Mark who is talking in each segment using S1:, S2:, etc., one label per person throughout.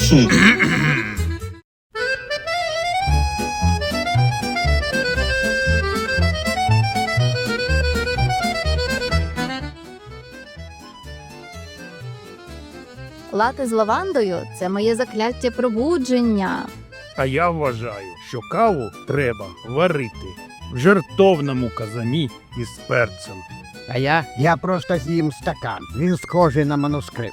S1: Лати з лавандою – це моє закляття пробудження.
S2: А я вважаю, що каву треба варити в жертовному казані із перцем.
S3: А я просто з'їм стакан. Він схожий на манускрипт.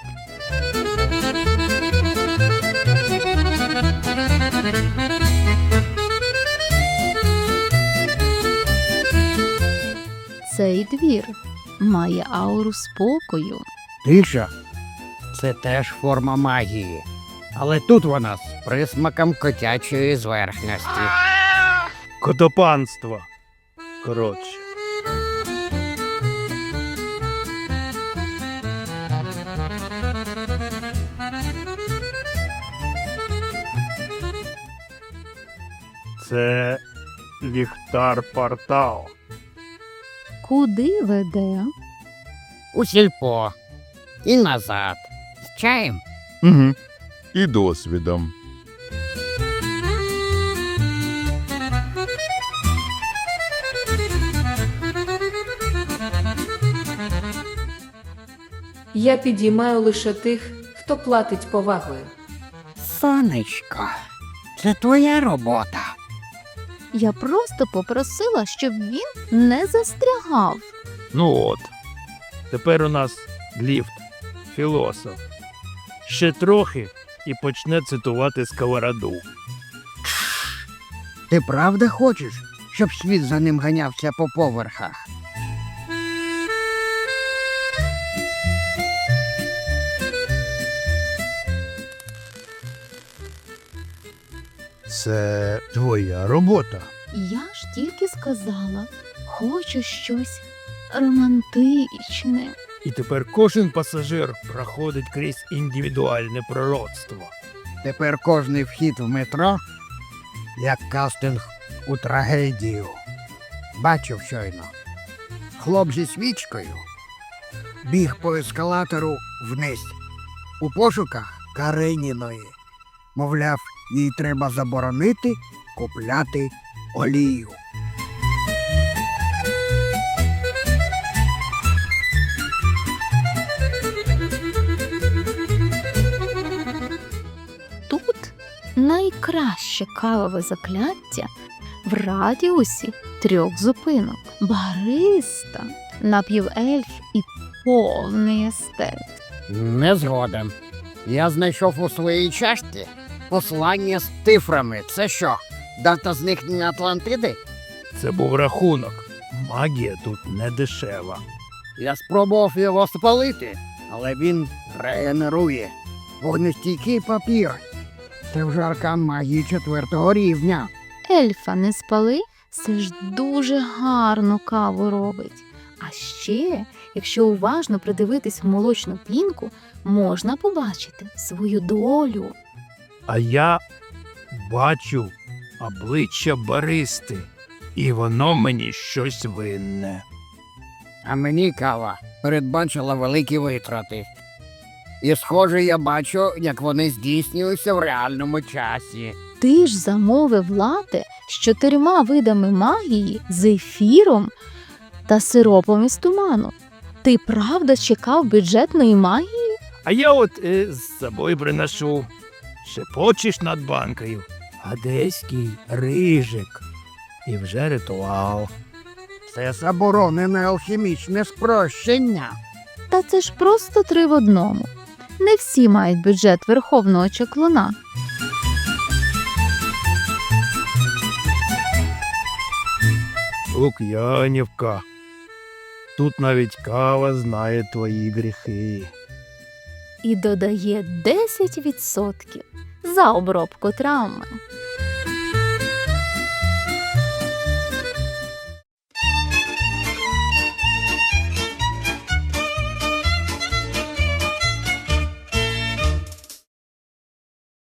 S1: Цей двір має ауру спокою.
S3: Тиша – це теж форма магії. Але тут вона з присмаком котячої зверхності.
S2: Котопанство. Коротше. Це ліхтар портал.
S1: Куди веде?
S3: У сільпо. І назад. З чаєм.
S4: Угу. І досвідом.
S5: Я підіймаю лише тих, хто платить повагою.
S3: Сонечко, це твоя робота.
S1: Я просто попросила, щоб він не застрягав.
S2: Ну от. Тепер у нас ліфт. Філософ. Ще трохи і почне цитувати Сковороду.
S3: Ти правда хочеш, щоб світ за ним ганявся по поверхах?
S2: Це твоя робота.
S1: Я ж тільки сказала, хочу щось романтичне.
S2: І тепер кожен пасажир проходить крізь індивідуальне пророцтво.
S3: Тепер кожний вхід в метро як кастинг у трагедію. Бачив щойно. Хлоп зі свічкою біг по ескалатору вниз у пошуках Кареніної. Мовляв, їй треба заборонити купляти олію.
S1: Тут найкраще кавове закляття в радіусі 3 зупинок. Бариста, напівельф і повний естет.
S3: Не згоден. Я знайшов у своїй чашці послання з цифрами. Це що, дата зникнення Атлантиди?
S2: Це був рахунок. Магія тут не дешева.
S3: Я спробував його спалити, але він регенерує. Вогнестійкий папір. Це вже аркан магії 4-го рівня.
S1: Ельфа не спали, це ж дуже гарну каву робить. А ще, якщо уважно придивитись в молочну пінку, можна побачити свою долю.
S2: А я бачу обличчя баристи, і воно мені щось винне.
S3: А мені кава передбачила великі витрати. І, схоже, я бачу, як вони здійснюються в реальному часі.
S1: Ти ж замовив лате з 4 видами магії, з ефіром та сиропом із туману. Ти правда чекав бюджетної магії?
S2: А я от з собою приношу. Шепочеш над банкою. Одеський рижик. І вже ритуал.
S3: Це заборонене алхімічне спрощення.
S1: Та це ж просто 3 в одному. Не всі мають бюджет верховного чаклуна.
S2: Лук'янівка. Тут навіть кава знає твої гріхи.
S1: І додає 10% за обробку травми.